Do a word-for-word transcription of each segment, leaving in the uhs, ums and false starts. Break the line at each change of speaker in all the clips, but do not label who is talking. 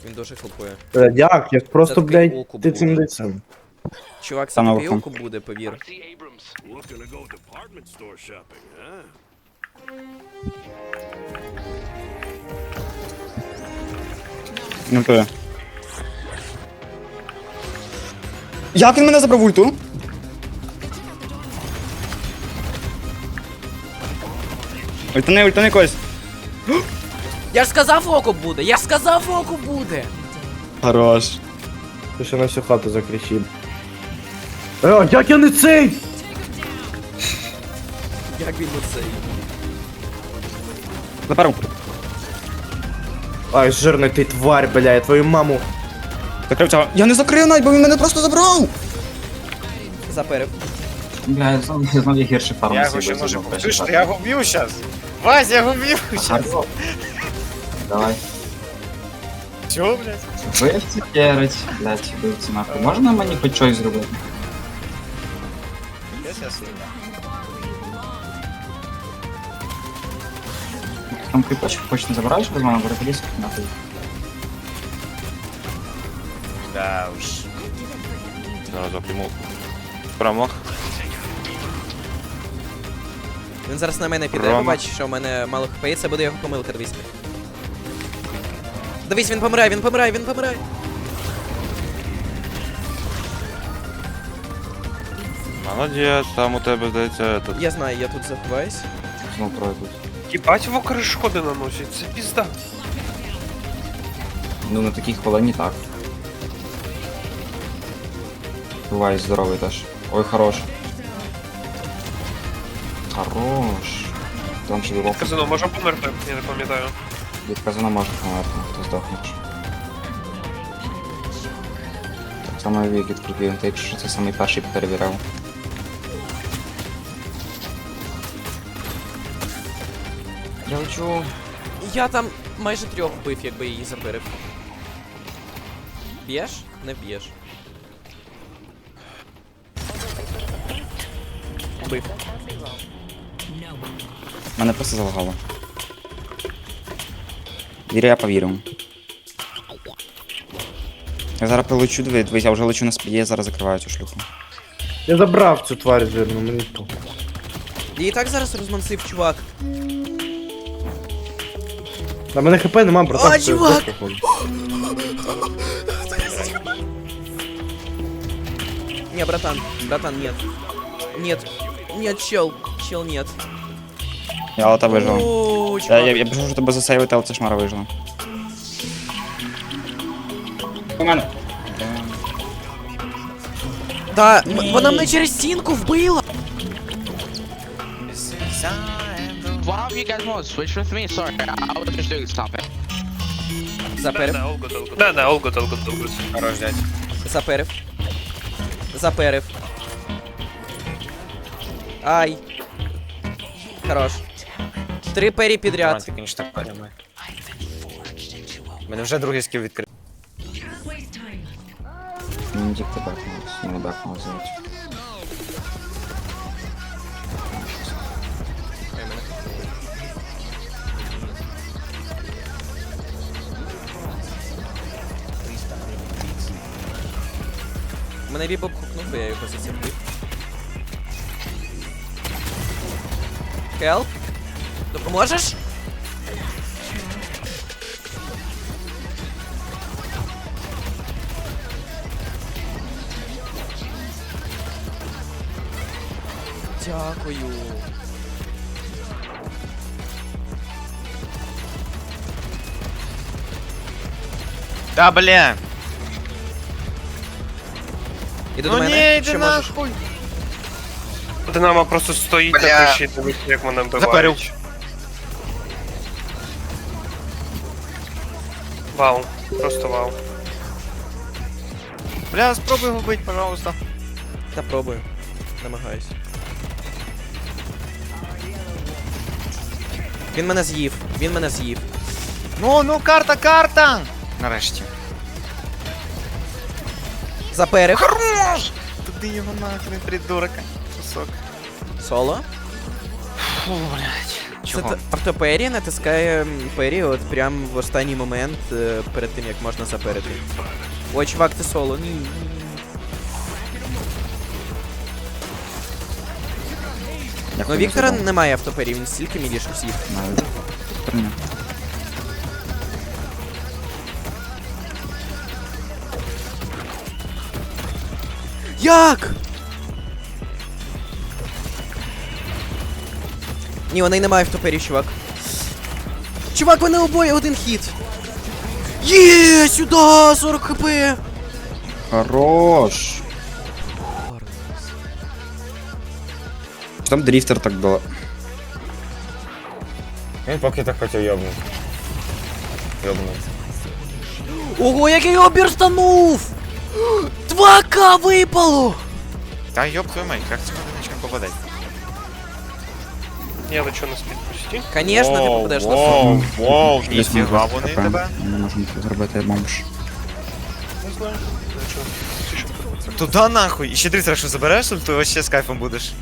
Він дуже хлопує.
Е, Як? Як просто,
Це такий
блядь,
окуп
ти
був.
цим дицем.
Чувак, це
Там
такий
оком.
окуп буде, повір.
Looking to go department store shopping, huh?
Ну то. Як він мене забрав ульту? Ультани, ультани когось.
Я ж сказав окуп буде! Я ж сказав окуп буде!
Хорош.
Ти ще на всю хату закричив. Е, як я не цей?
Як він оцей?
Заперу.
Ай, жирний ти тварь, бля, я твою маму.
Закрив цього. Я не закрив навіть, бо він мене просто забрав.
Заперев.
Бля, я знов, я знов є гірший фарм.
Я його ще можу побачити. Я його вб'ю зараз. Вась, я його вб'ю зараз.
Давай.
Чого, блядь?
Вивці керить. Блять, вивці нахуй. Можна мені хоч щось зробити?
Я зараз вийду.
Там кріпочок хоч не забираєш без мене, переподійся нахуй.
Да уж.
Зараз запряму. Промах.
Він зараз на мене піде,
Рома.
побачить, що в мене мало хп, і це буде його помилка, дивись. Дивись, він помирає, він помирає, він помирає.
Молодець, там у тебе здається этот.
Я знаю, я тут заховаюсь.
Знов пройдуть.
Єбать, вокри шкоди наносять, це пізда.
Ну на такій хвилині так. Бувай, здоровий теж. Ой, хорош. Хорош. Там же вовк.
Казано, може померти, я не пам'ятаю.
Від казана може померти, хто здохнеш. Так само як від крупів, якщо це самий перший перевіряв. Я хочу...
Я там майже трьох вбив, якби її заперев. Б'єш? Не б'єш. Вбив.
Мене просто залагало. Вірю, я повірю. Я зараз прилечу, дивись, я вже лечу на спіді, я зараз закриваю цю шлюху.
Я забрав цю тварь жирну, мені то.
Я і так зараз розмансив, чувак.
На мене хп нема, братан.
А,
що я
чувак!
здох, походу.
Не, братан, братан, нет. Нет. Нет, чел. Чел, нет.
Я лота вижила.
О,
Я,
чувак.
я, я пишу, що тебе засейвити, але це шмара вижила. У мене.
Да, м- вона мене через стінку вбила.
One of you guys want to switch with me? Sorry, I was just doing something.
Заперев,
Да, Олгот, Олгот. Да, да, Олгот, Олгот, Олгот.
Хорош, дядь.
заперев. Заперев. Ай. Хорош. Три пері підряд.
Ти, конечно, так подумай. У мене вже другий скіл відкрив.
Мені тільки бекнулось, мене бекнуло звати.
Мене бібоп хукнув, бо я його зацепив. Хелп? Допоможеш? Дякую.
Да, бля.
Іди
Ну
до мене,
не, йди
що можеш.
нахуй.
Динамо просто стоїть
Бля.
на криші, дивиться, як мене
Заперев.
вбивають. Вау, просто вау.
Бля, спробуй його вбити, пожалуйста.
Та пробую. Намагаюсь. Він мене з'їв. Він мене з'їв.
Ну, ну, карта, карта! Нарешті.
Заперев.
Хорош! Туди його нахрен, придурок. Кусок.
Соло.
Фу, блядь.
Це
Чого?
т- автопері натискає м, пері от прям в останній момент е, перед тим, як можна заперити. Ой, чувак, ти соло. Ні. ні, ні.
Як
Ну,
ти
Віктора
називав?
немає автопері, він стільки міліше всіх.
Знаю. Прийняв.
Як? Ні, вона й немає автопері, чувак. Чувак, вони обоє один хід. Є, сюди, сорок хп.
Хорош! Там дрифтер так було.
Він поки так хотів йобнути. Йобнув.
Ого, як я його бірстанув! два ка випало!
Та йоп твою мать, як це нічого попадать?
Я лечу на спід почти.
Конечно, ти попадеш на сон.
Воу, воу,
Десь
ніфіга
ми
вони
ХП.
тебе.
Ми не можемо це зробити, я бомж.
Не знаю. Лечу.
Туда нахуй. І ще дрифтера, що забереш, то вообще з кайфом будеш.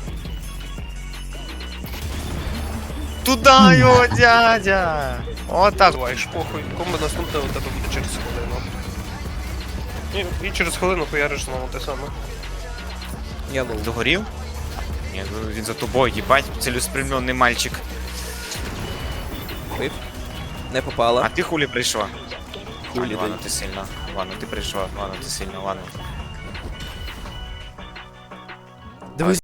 Туда його, дядя! Отак.
Буваєш, похуй. Комби наступне у тебе буде через хвилину. І, і через хвилину хуяриш знову те саме.
Я лоу.
Догорів? Ні, ну він за тобою, їбать, цілеспрямлений мальчик.
Вип. Не попала.
А ти хулі прийшла?
Хулі,
Ладно,
дай.
ти сильно. Ладно, ти прийшла. Ладно, ти сильно, ладно.
Дивись,